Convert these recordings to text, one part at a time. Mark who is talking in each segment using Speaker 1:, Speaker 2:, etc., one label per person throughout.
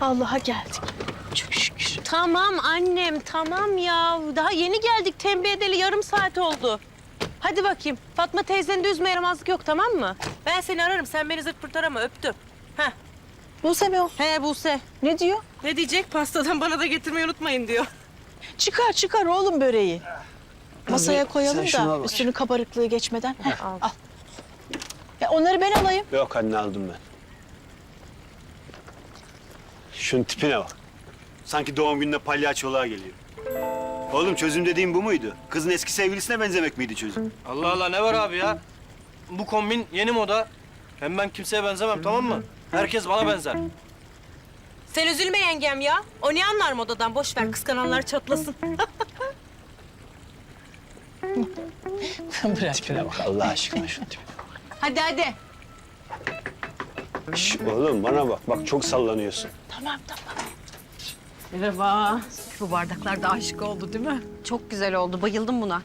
Speaker 1: Allah'a geldik. Çok şükür.
Speaker 2: Tamam annem, tamam ya. Daha yeni geldik, tembih edeli yarım saat oldu. Hadi bakayım. Fatma teyzenin de üzme yaramazlık yok, tamam mı? Ben seni ararım, sen beni zırt pırt arama, öptüm. Heh.
Speaker 1: Buse mi o?
Speaker 2: He Buse.
Speaker 1: Ne diyor?
Speaker 2: Ne diyecek? Pastadan bana da getirmeyi unutmayın diyor.
Speaker 1: Çıkar oğlum böreği. Masaya koyalım
Speaker 3: şunu al
Speaker 1: da
Speaker 3: bak.
Speaker 1: üstünün kabarıklığı geçmeden. Heh, al. Ya onları ben alayım.
Speaker 3: Yok anne aldım ben. Şunun tipine bak. Sanki doğum gününe palyaçoluğa geliyor. Oğlum çözüm dediğim bu muydu? Kızın eski sevgilisine benzemek miydi çözüm?
Speaker 4: Allah Allah ne var abi ya? Bu kombin yeni moda. Hem ben kimseye benzemem tamam mı? Herkes bana benzer.
Speaker 2: Sen üzülme yengem ya. O ne anlar modadan? Boş ver, kıskananlar çatlasın.
Speaker 1: Bırak.
Speaker 3: Tipine bak Allah aşkına şunun tipine.
Speaker 2: Hadi.
Speaker 3: Şş, oğlum bana bak. Bak çok sallanıyorsun.
Speaker 1: Tamam.
Speaker 2: Merhaba.
Speaker 5: Bu bardaklar da aşık oldu değil mi?
Speaker 2: Çok güzel oldu, bayıldım buna.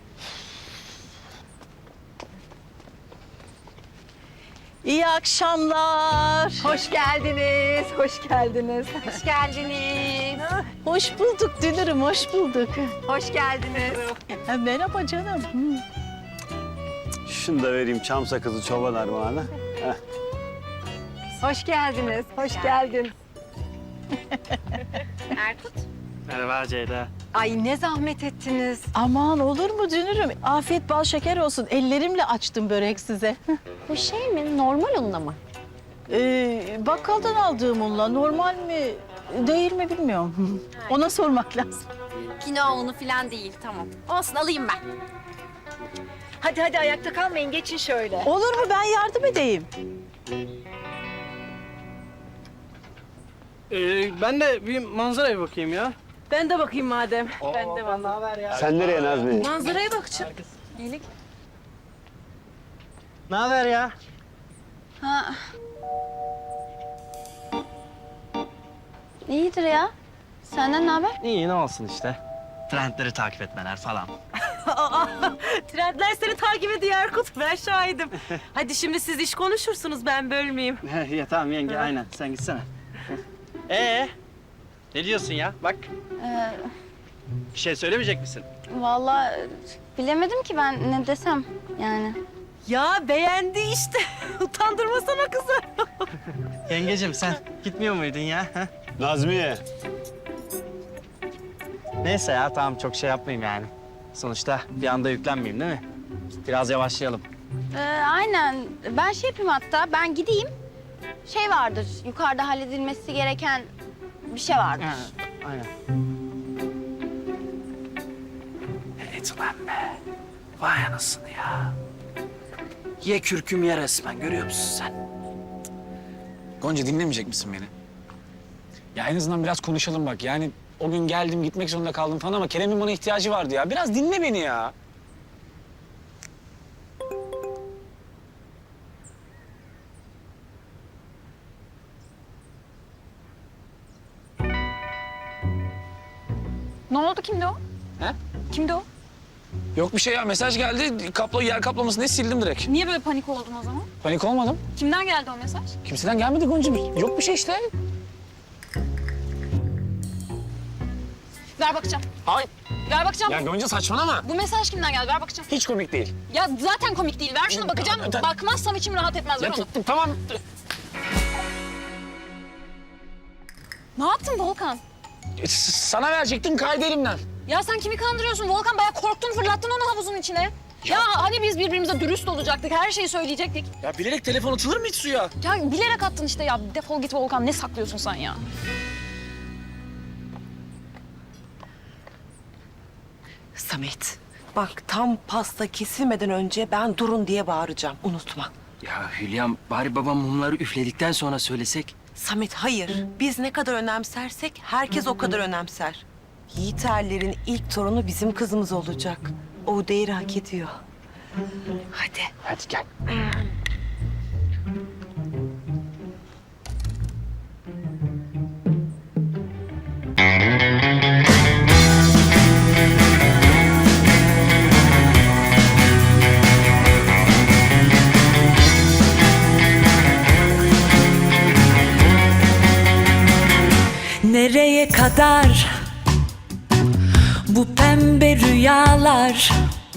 Speaker 1: İyi akşamlar.
Speaker 5: Hoş geldiniz, hoş geldiniz.
Speaker 2: Hoş geldiniz.
Speaker 1: Hoş bulduk Dünür'üm, hoş bulduk.
Speaker 5: Hoş geldiniz.
Speaker 1: Merhaba canım.
Speaker 3: Şunu da vereyim çam sakızı çoban armağanı. Heh.
Speaker 5: Hoş geldiniz, hoş geldin.
Speaker 2: Erkut.
Speaker 4: Merhaba Ceyda.
Speaker 5: Ay ne zahmet ettiniz.
Speaker 1: Aman olur mu Dünür'üm? Afiyet bal şeker olsun. Ellerimle açtım börek size.
Speaker 2: Bu şey mi? Normal unla mı?
Speaker 1: Bakkaldan aldığım unla normal mi değil mi bilmiyorum. Ona sormak lazım.
Speaker 2: Kinoa unu falan değil, tamam. Olsun, alayım ben.
Speaker 5: Hadi ayakta kalmayın, geçin şöyle.
Speaker 1: Olur mu ben yardım edeyim?
Speaker 4: Ben de bir manzaraya bakayım ya.
Speaker 2: Ben de bakayım madem. Ben de
Speaker 4: Ne haber ya?
Speaker 3: Sen nereye Nazmi?
Speaker 2: Manzaraya bakacağım.
Speaker 4: Ne haber ya?
Speaker 6: İyidir ya. Senden ne haber?
Speaker 4: İyi ne olsun işte. Trendleri takip etmeler falan.
Speaker 2: Trendler seni takip ediyor Erkut. Ben şahidim. Hadi şimdi siz iş konuşursunuz, ben bölmeyeyim.
Speaker 4: Ya tamam yenge aynen sen gitsene. Ne diyorsun ya? Bak bir şey söylemeyecek misin?
Speaker 6: Vallahi bilemedim ki ben ne desem yani.
Speaker 2: Ya beğendi işte. Utandırmasana kızı.
Speaker 4: Yengecim sen gitmiyor muydun ya? ha?
Speaker 3: Nazmiye.
Speaker 4: Neyse ya tamam çok şey yapmayayım yani. Sonuçta bir anda yüklenmeyeyim değil mi? Biraz yavaşlayalım.
Speaker 6: Aynen. Ben şey yapayım hatta, ben gideyim. Şey vardır, yukarıda halledilmesi gereken bir şey vardır.
Speaker 4: Aynen. Evet ulan be. Vay anasını ya. Ye kürküm ye resmen görüyor musun sen?
Speaker 7: Gonca dinlemeyecek misin beni? Ya en azından biraz konuşalım bak. Yani o gün geldim gitmek zorunda kaldım falan ama Kerem'in bana ihtiyacı vardı ya. Biraz dinle beni ya.
Speaker 5: Ne oldu, kimdi o?
Speaker 7: He?
Speaker 5: Kimdi o?
Speaker 7: Yok bir şey ya. Mesaj geldi. Yer kaplaması ne sildim direkt.
Speaker 5: Niye böyle panik oldun o zaman?
Speaker 7: Panik olmadım.
Speaker 5: Kimden geldi o mesaj?
Speaker 7: Kimseden gelmedi Gonca. Yok bir şey işte.
Speaker 5: Ver bakacağım.
Speaker 7: Hayır.
Speaker 5: Ver bakacağım.
Speaker 7: Ya Gonca saçmalama.
Speaker 5: Bu mesaj kimden geldi? Ver bakacağım.
Speaker 7: Hiç komik değil.
Speaker 5: Ya zaten komik değil. Ver şunu bakacağım. Bakmazsam içim rahat etmez. Ver
Speaker 7: Ya
Speaker 5: onu.
Speaker 7: tamam.
Speaker 5: Ne yaptın Volkan?
Speaker 7: Sana verecektim kaydı elimden.
Speaker 5: Ya sen kimi kandırıyorsun Volkan? Bayağı korktun, fırlattın onu havuzun içine. Ya hani biz birbirimize dürüst olacaktık, her şeyi söyleyecektik.
Speaker 7: Ya bilerek telefon atılır mı hiç suya?
Speaker 5: Ya bilerek attın işte ya. Defol git Volkan. Ne saklıyorsun sen ya?
Speaker 8: Samet, bak tam pasta kesilmeden önce ben durun diye bağıracağım. Unutma.
Speaker 4: Ya Hülya'm bari babam mumları üfledikten sonra söylesek.
Speaker 8: Samet hayır. Biz ne kadar önemsersek herkes o kadar önemser. Yiğiterlerin ilk torunu bizim kızımız olacak. O değeri hak ediyor. Hadi.
Speaker 4: Hadi gel.
Speaker 9: Nereye kadar bu pembe rüyalar?